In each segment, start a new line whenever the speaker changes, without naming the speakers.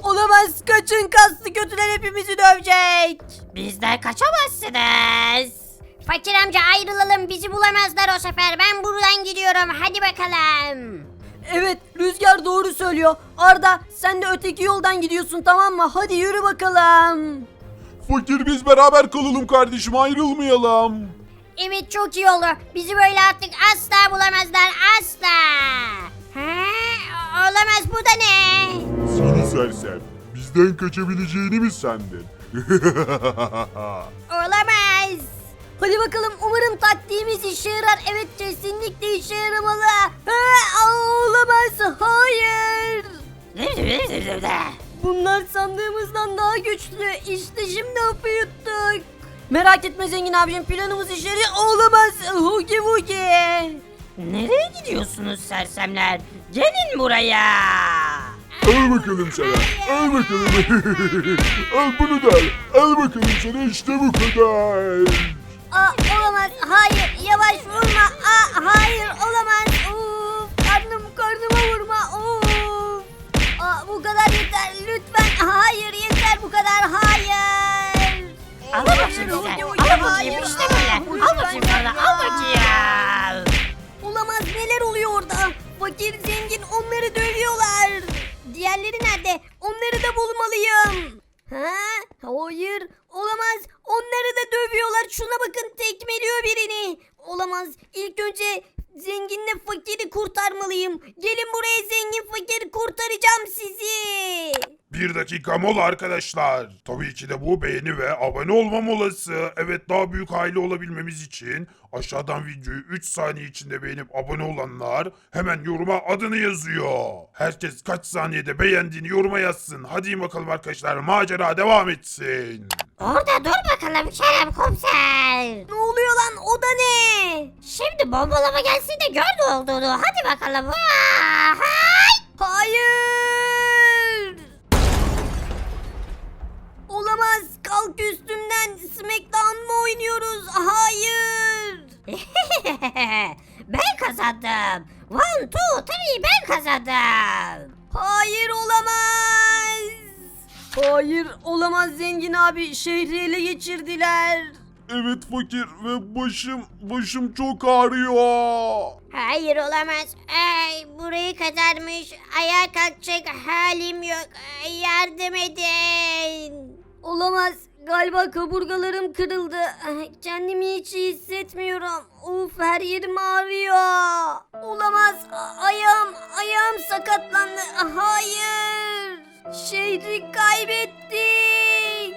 Olamaz, kaçın, kaslı kötüler hepimizi dövecek.
Bizden kaçamazsınız.
Fakir amca ayrılalım, bizi bulamazlar o sefer. Ben buradan gidiyorum, hadi bakalım.
Evet, Rüzgar doğru söylüyor. Arda, sen de öteki yoldan gidiyorsun, tamam mı? Hadi yürü bakalım.
Fakir biz beraber kalalım kardeşim, ayrılmayalım.
Evet, çok iyi oldu. Bizi böyle artık asla bulamazlar, asla. Ha? Olamaz, bu da ne?
Seni sersem, bizden kaçabileceğini mi sandın?
Olamaz.
Hadi bakalım, umarım taktiğimiz işe yarar. Evet, kesinlikle işe yaramalı. Olamaz, hayır. Bunlar sandığımızdan daha güçlü. İşte şimdi hapı yuttuk. Merak etme zengin abicim, planımız işe yarıyor. Olamaz, Hugi Hugi.
Nereye gidiyorsunuz sersemler? Gelin buraya.
Al bakalım sana, al bakalım. Al bunu da al, al bakalım sana, işte bu kadar.
Olamaz, hayır, yavaş vurma. Hayır, olamaz. Karnıma vurma. Bu kadar yeter, lütfen. Hayır, yeter bu kadar, hayır.
Al bakayım size. Al bakayım işte böyle. Al bakayım sana. Al bakayım.
Olamaz, neler oluyor orada? Fakir, zengin, onları dövüyorlar. Diğerleri nerede? Onları da bulmalıyım. Hayır, olamaz. Onları da dövüyorlar. Şuna bakın, tekmeliyor birini. Olamaz. İlk önce zenginle fakiri kurtarmalıyım. Gelin buraya zengin fakir, kurtaracağım sizi.
Bir dakika mola arkadaşlar. Tabii ki de bu beğeni ve abone olma molası. Evet, daha büyük aile olabilmemiz için aşağıdan videoyu 3 saniye içinde beğenip abone olanlar hemen yoruma adını yazıyor. Herkes kaç saniyede beğendiğini yoruma yazsın. Hadi bakalım arkadaşlar, macera devam etsin.
Orada dur bakalım Kerem komiser.
Ne oluyor lan? O da ne?
Şimdi bombalama gelsin de gör ne olduğunu. Hadi bakalım. Hay!
Hayır. Olamaz. Kalk üstümden. Smackdown mı oynuyoruz? Hayır.
Ben kazandım. 1, 2, 3 ben kazandım.
Hayır, olamaz. Hayır, olamaz zengin abi. Şehri ele geçirdiler.
Evet fakir ve başım çok ağrıyor.
Hayır, olamaz. Burayı kazarmış. Ayağa kalkacak halim yok. Yardım edin.
Olamaz. Galiba kaburgalarım kırıldı. Kendimi hiç iyi hissetmiyorum. Her yerim ağrıyor. Olamaz. Ayağım sakatlandı. Hayır. Şehri kaybettik.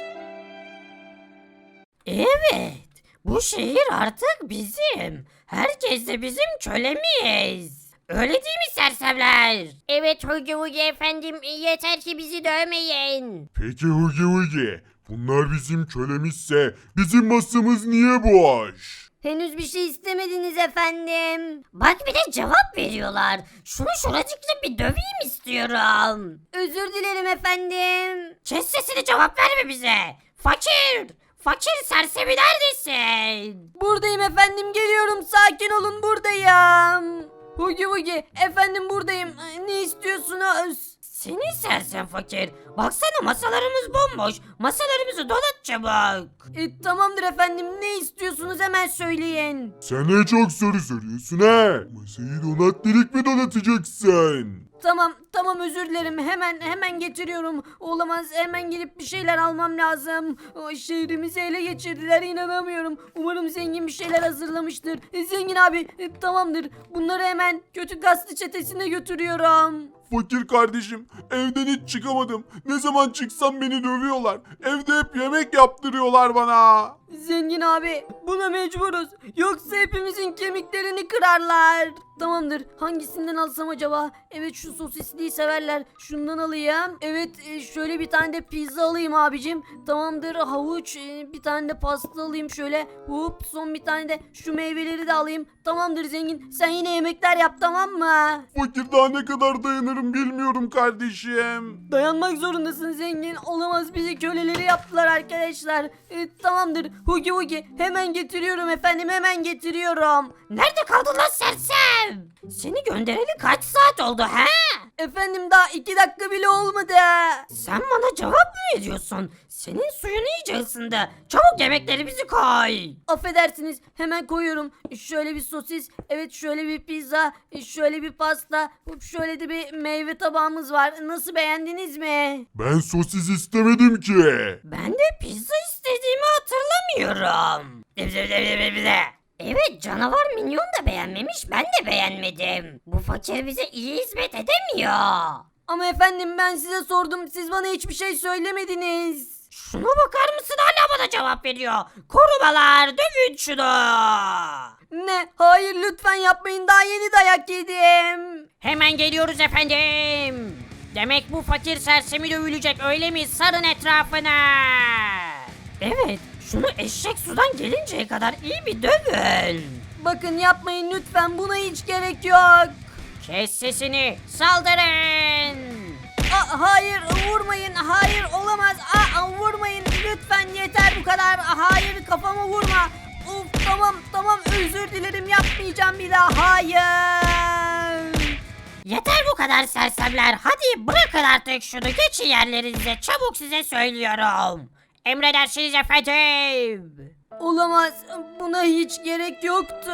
Evet. Bu şehir artık bizim. Herkes de bizim kölemiz. Öyle değil mi sersemler?
Evet Hugi Hugi efendim, yeter ki bizi dövmeyin.
Peki Hugi Hugi, bunlar bizim kölемizse bizim masamız niye boş?
Henüz bir şey istemediniz efendim.
Bak bir de cevap veriyorlar. Şunu şuracıkla bir döveyim istiyorum.
Özür dilerim efendim.
Kes sesini, cevap verme bize. Fakir. Fakir sersemi neredesin?
Buradayım efendim, geliyorum, sakin olun, buradayım. Hugi Hugi efendim, buradayım. Ne istiyorsunuz?
Seni sersem fakir. Baksana masalarımız bomboş. Masalarımızı donat çabuk.
Tamamdır efendim, ne istiyorsunuz hemen söyleyin.
Sen ne çok soru soruyorsun ha? Masayı donat delik mi donatacaksın?
Tamam özür dilerim, hemen getiriyorum. Olamaz, hemen gidip bir şeyler almam lazım. Şehrimizi ele geçirdiler, inanamıyorum. Umarım zengin bir şeyler hazırlamıştır. Zengin abi tamamdır, bunları hemen kötü gazlı çetesine götürüyorum.
Fakir kardeşim, evden hiç çıkamadım. Ne zaman çıksam beni dövüyorlar. Evde hep yemek yaptırıyorlar bana.
Zengin abi, buna mecburuz. Yoksa hepimizin kemiklerini kırarlar. Tamamdır, hangisinden alsam acaba? Evet, şu sosisliği severler. Şundan alayım. Evet, şöyle bir tane de pizza alayım abicim. Tamamdır, havuç, bir tane de pasta alayım şöyle. Hop, son bir tane de şu meyveleri de alayım. Tamamdır zengin, sen yine yemekler yap, tamam mı?
Fakir, daha ne kadar dayanırım bilmiyorum kardeşim.
Dayanmak zorundasın zengin. Olamaz, bizi köleleri yaptılar arkadaşlar. Tamamdır, Hugi Hugi hemen getiriyorum efendim, hemen getiriyorum.
Nerede kaldın lan sersem? Seni göndereli kaç saat oldu he?
Efendim daha 2 dakika bile olmadı.
Sen bana cevap mı veriyorsun? Senin suyun iyice ısındı. Çabuk yemeklerimizi koy.
Affedersiniz, hemen koyuyorum. Şöyle bir sosis, evet şöyle bir pizza, şöyle bir pasta, şöyle de bir meyve tabağımız var. Nasıl, beğendiniz mi?
Ben sosis istemedim ki.
Ben de pizza istediğimi hatırlamıyorum. Evet, canavar minyon da beğenmemiş, ben de beğenmedim. Bu fakir bize iyi hizmet edemiyor.
Ama efendim ben size sordum, siz bana hiçbir şey söylemediniz.
Şuna bakar mısın, hala bana cevap veriyor. Korumalar, dövün şunu.
Ne? Hayır lütfen yapmayın, daha yeni dayak yedim.
Hemen geliyoruz efendim. Demek bu fakir sersemi dövülecek öyle mi? Sarın etrafına. Evet, şunu eşek sudan gelinceye kadar iyi bir dövün.
Bakın yapmayın lütfen, buna hiç gerek yok.
Kes sesini, saldırın.
Hayır vurmayın, hayır olamaz. Vurmayın lütfen, yeter bu kadar. Hayır kafama vurma. Uf, tamam özür dilerim, yapmayacağım bir daha, hayır.
Yeter bu kadar sersemler. Hadi bırakın artık şunu, geçin yerlerinize. Çabuk, size söylüyorum. Emredersiniz efendim.
Olamaz, buna hiç gerek yoktu.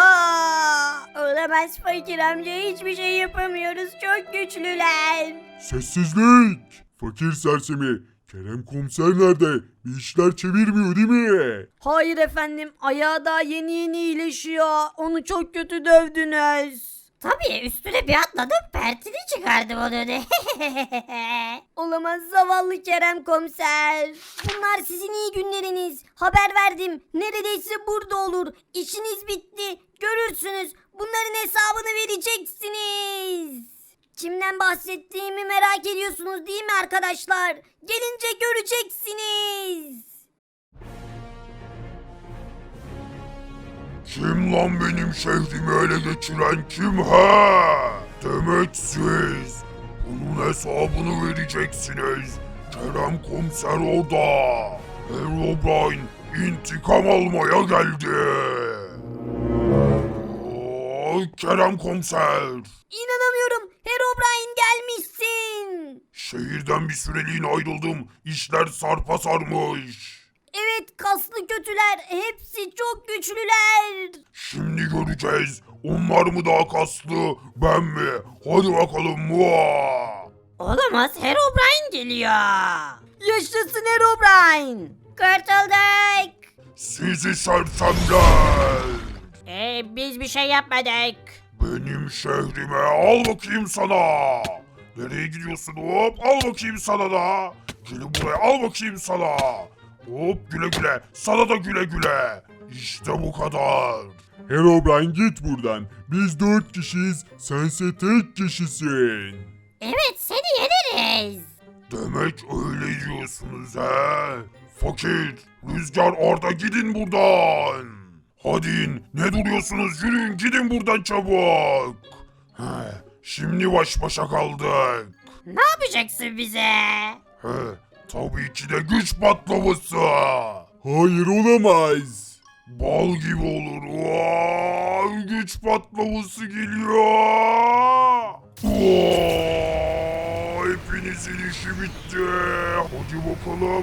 Olamaz fakir amca, hiçbir şey yapamıyoruz, çok güçlüler.
Sessizlik. Fakir sersemi. Kerem komiser nerede? Bir işler çevirmiyor değil mi?
Hayır efendim, ayağı daha yeni iyileşiyor. Onu çok kötü dövdünüz.
Tabii, üstüne bir atladım, pertini çıkardım onun.
Olamaz zavallı Kerem komiser. Bunlar sizin iyi günleriniz. Haber verdim. Neredeyse burada olur. İşiniz bitti. Görürsünüz. Bunların hesabını vereceksiniz. Kimden bahsettiğimi merak ediyorsunuz değil mi arkadaşlar? Gelince göreceksiniz.
Kim lan benim şehrimi ele geçiren, kim ha? Demek siz. Bunun hesabını vereceksiniz. Kerem komiser orada. Herobrine intikam almaya geldi. Kerem komiser.
İnanamıyorum. Herobrine gelmişsin.
Şehirden bir süreliğine ayrıldım. İşler sarpa sarmış.
Evet, kaslı kötüler. Hepsi çok güçlüler.
Şimdi göreceğiz. Onlar mı daha kaslı, ben mi? Hadi bakalım. Muah!
Olamaz, Herobrine geliyor.
Yaşasın Herobrine.
Kurtulduk.
Sizi sersemler.
Biz bir şey yapmadık.
Benim şehrime al bakayım sana. Nereye gidiyorsun hop? Al bakayım sana da. Gelin buraya, al bakayım sana. Hop, güle güle. Sana da güle güle. İşte bu kadar. Herobrine git buradan. Biz 4 kişiyiz. Sense tek kişisin.
Evet, seni yeneriz.
Demek öyle diyorsunuz he? Fakir, Rüzgar, Arda, gidin buradan. Hadi in, ne duruyorsunuz, yürüyün gidin buradan çabuk. Şimdi baş başa kaldık.
Ne yapacaksın bize?
Tabii ki de güç patlaması. Hayır, olamaz. Bal gibi olur. Güç patlaması geliyor. Hepinizin işi bitti. Hadi bakalım.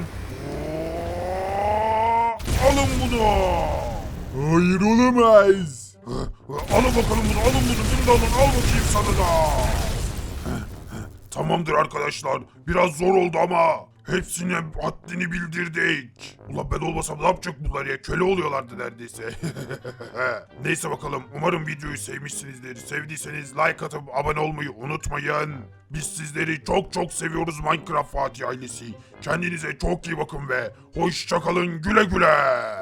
Alın bunu. Hayır, olamaz. Alın bakalım bunu, alın bunu da alın, al bakayım sana da. Tamamdır arkadaşlar, biraz zor oldu ama hepsine haddini bildirdik. Ulan ben olmasam ne yapacak bunlar ya, köle oluyorlardı neredeyse. Neyse bakalım, umarım videoyu sevmişsinizdir. Sevdiyseniz like atıp abone olmayı unutmayın. Biz sizleri çok çok seviyoruz Minecraft Fatih ailesi. Kendinize çok iyi bakın ve hoşça kalın, güle güle.